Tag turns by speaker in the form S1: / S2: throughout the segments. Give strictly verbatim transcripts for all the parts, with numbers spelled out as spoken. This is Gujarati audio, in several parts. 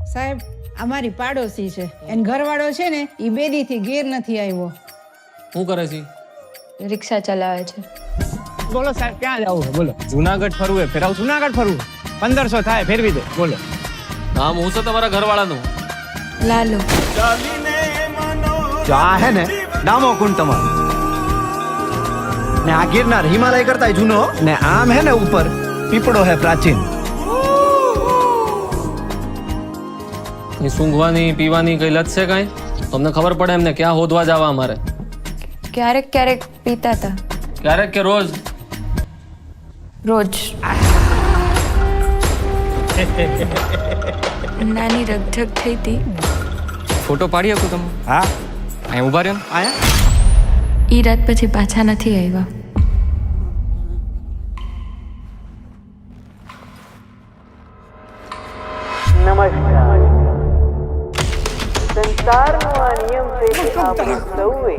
S1: સાહેબ અમારી પાડોશી છે એન ઘરવાળો છે ને એ બેદીથી ઘેર નથી આવ્યો.
S2: શું કરે છે?
S3: રિક્ષા ચલાવે છે.
S4: બોલો સાહેબ ક્યાં જવું છે બોલો? જુનાગઢ ફરવું છે ફેરાવ જુનાગઢ ફરવું પંદરસો થાય ફેરવી દે બોલો.
S2: નામ હું છે તમારા ઘરવાળાનું?
S3: લાલો.
S5: જો આ હે ને ડામો કુંડ તમારો ને આ ગિરનાર હિમાલય કરતા જૂનો ને આમ હે ને ઉપર પીપળો હે પ્રાચીન.
S2: એ સૂંઘવાની પીવાની કઈ લત છે કાંઈ? તમને ખબર પડે એમને ક્યાં હોદવા જવા અમારે?
S3: ક્યારેક ક્યારેક પીતા હતા.
S2: ક્યારેક કે રોજ?
S3: રોજ. નાની રગઝગ થઈ હતી.
S6: ફોટો પાડી શકું તમે?
S5: હા
S6: અહીં ઉભા રહ્યો ને.
S5: આયા
S3: ઈ રાત પછી પાછા નથી આવ્યા.
S7: નમસ્કાર. સંસારનો આ નિયમ છે કે આપણે સૌએ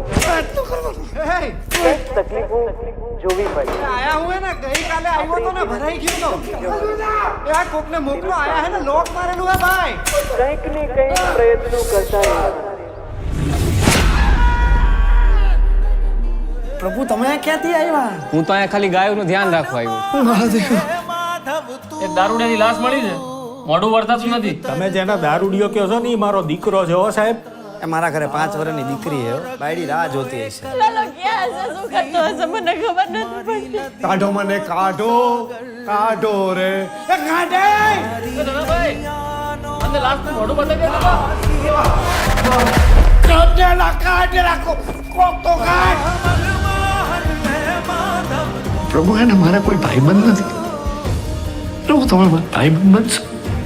S7: કંઈક તકલીફો જોવી પડે.
S5: આયા હું હે ને ગઈકાલે આવ્યો તો ને ભરાઈ ગયો તો એ આ કોકને મોકલો આયા હે ને લોક મારેલું હે ભાઈ.
S7: કંઈક ને કંઈક પ્રયત્નો કરતા રહેવાના.
S5: પ્રભુ તમે ક્યાંથી આવ્યા?
S6: હું તો અહીંયા ખાલી ગાયોનું ધ્યાન રાખવા આવ્યો.
S2: એક દારૂડિયાની લાશ મળી છે, મોઢું વળતાતું નથી.
S8: તમે જેના દારૂડિયો કહો છો ને એ મારો દીકરો છે હો સાહેબ.
S5: એ મારા ઘરે પાંચ વર્ષની દીકરી હે બાયડી રાહ જોતી હશે. કાઢો મને કાઢો કાઢો રે એ કાઢે
S2: ભાઈ મને લાશનું મોઢું બતાવી દે.
S5: કાઢેલા કાઢેલા કોક તો કાઢ.
S9: પ્રભુ એને મારા કોઈ ભાઈબંધ નથી. પ્રભુ તમે મારા ભાઈબંધ બનશો.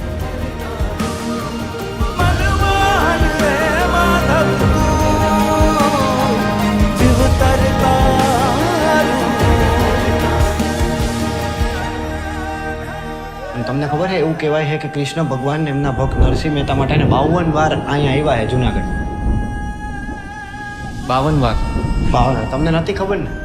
S5: તમને ખબર છે એવું કહેવાય છે કે કૃષ્ણ ભગવાન એમના ભક્ત નરસિંહ મહેતા માટે બાવન વાર અહીંયા આવ્યા છે જુનાગઢ.
S6: બાવન વાર?
S5: બાવન તમને નથી ખબર ને?